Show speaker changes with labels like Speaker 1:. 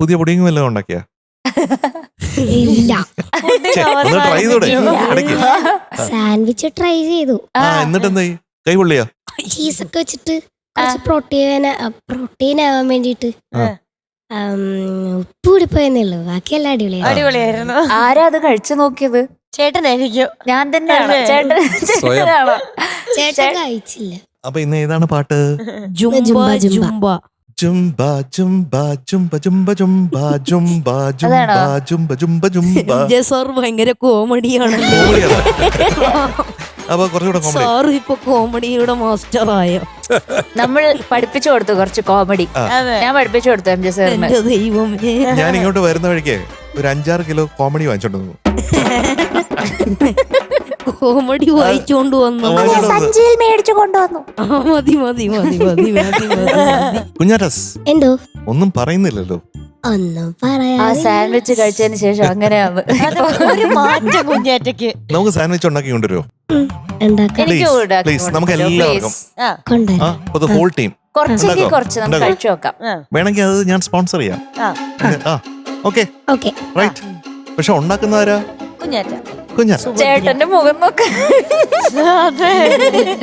Speaker 1: പുതിയ പുഡിങ് വല്ലതും ഉണ്ടാക്കിയ?
Speaker 2: ഇല്ല.
Speaker 1: ട്രൈ ചെയ്തൂടെ ഇടയ്ക്ക്?
Speaker 2: സാൻഡ്വിച്ച് ട്രൈ ചെയ്തു.
Speaker 1: എന്നിട്ട് എന്തായി? കൈ പൊള്ളിയാ?
Speaker 2: ചീസൊക്കെ വെച്ചിട്ട് കുറച്ച് പ്രോട്ടീൻ ആവാൻ വേണ്ടിട്ട് ഉപ്പ് കൂടി പോയെന്നുള്ളൂ. ബാക്കിയെല്ലാം
Speaker 3: അടിപൊളിയായിരുന്നു.
Speaker 4: ആരാ അത് കഴിച്ചു നോക്കിയത്?
Speaker 3: ചേട്ടനായിരിക്കും.
Speaker 4: ഞാൻ തന്നെയാണ്.
Speaker 2: ചേട്ടൻ കഴിച്ചില്ല.
Speaker 1: അപ്പൊ ഇന്ന് ഏതാണ് പാട്ട്?
Speaker 2: ജുംബ
Speaker 1: ജുംബ ജുംബ ജുംബ ജുംബ ജുംബ ജുംബ ജുംബ ജുംബ ജുംബ ജുംബ.
Speaker 5: സാർ ഭയങ്കര കോമഡിയാണ്.
Speaker 1: അപ്പൊ കുറച്ചുകൂടെ കോമഡി.
Speaker 5: സാർ ഇപ്പൊ കോമഡിയുടെ മാസ്റ്റർ ആയോ?
Speaker 4: നമ്മൾ പഠിപ്പിച്ചു കൊടുത്തു കുറച്ച് കോമഡി. ഞാൻ പഠിപ്പിച്ചു കൊടുത്തു എം ജെ സാറിന്.
Speaker 5: എന്റെ ദൈവമേ,
Speaker 1: ഞാൻ ഇങ്ങോട്ട് വരുന്ന വഴിക്ക് ഒരു 5-6 കിലോ കോമഡി വാങ്ങിച്ചോണ്ട്
Speaker 5: കോമഡി വായിച്ചോണ്ട് വന്നു.
Speaker 4: സഞ്ചിയിൽ മേടിച്ചു കൊണ്ടുവന്നു.
Speaker 5: മതി മതി മതി മതി മതി മതി.
Speaker 1: കുഞ്ഞാറ്റസ്
Speaker 2: എന്തോ
Speaker 1: ഒന്നും പറയുന്നില്ലല്ലോ.
Speaker 2: ഒന്നും
Speaker 4: ആ
Speaker 2: പറയാ.
Speaker 4: സാൻഡ്വിച്ച് കഴിച്ചതിന് ശേഷം അങ്ങനെയാണ്
Speaker 3: ഒരു മാറ്റം കുഞ്ഞേറ്റക്ക്.
Speaker 1: നമുക്ക് സാൻഡ്വിച്ച് ഉണ്ടാക്കി കൊണ്ടുവരുമോ?
Speaker 2: ഉണ്ടാക്കാം.
Speaker 1: പ്ലീസ് നമുക്ക് എല്ലാവർക്കും
Speaker 2: കൊണ്ടുവരാം.
Speaker 1: ഹോൾ ടീം
Speaker 4: കുറച്ചെങ്കിൽ കുറച്ച് നമുക്ക് കഴിച്ചു നോക്കാം.
Speaker 1: വേണമെങ്കിൽ അത് ഞാൻ സ്പോൺസർ ചെയ്യാം. Okay
Speaker 2: okay.
Speaker 1: റൈറ്റ്. പക്ഷെ ഉണ്ടാക്കുന്നവരാ?
Speaker 3: കുഞ്ഞേറ്റ.
Speaker 1: കുഞ്ഞാ
Speaker 4: ചേട്ടന്റെ മുഖം നോക്ക.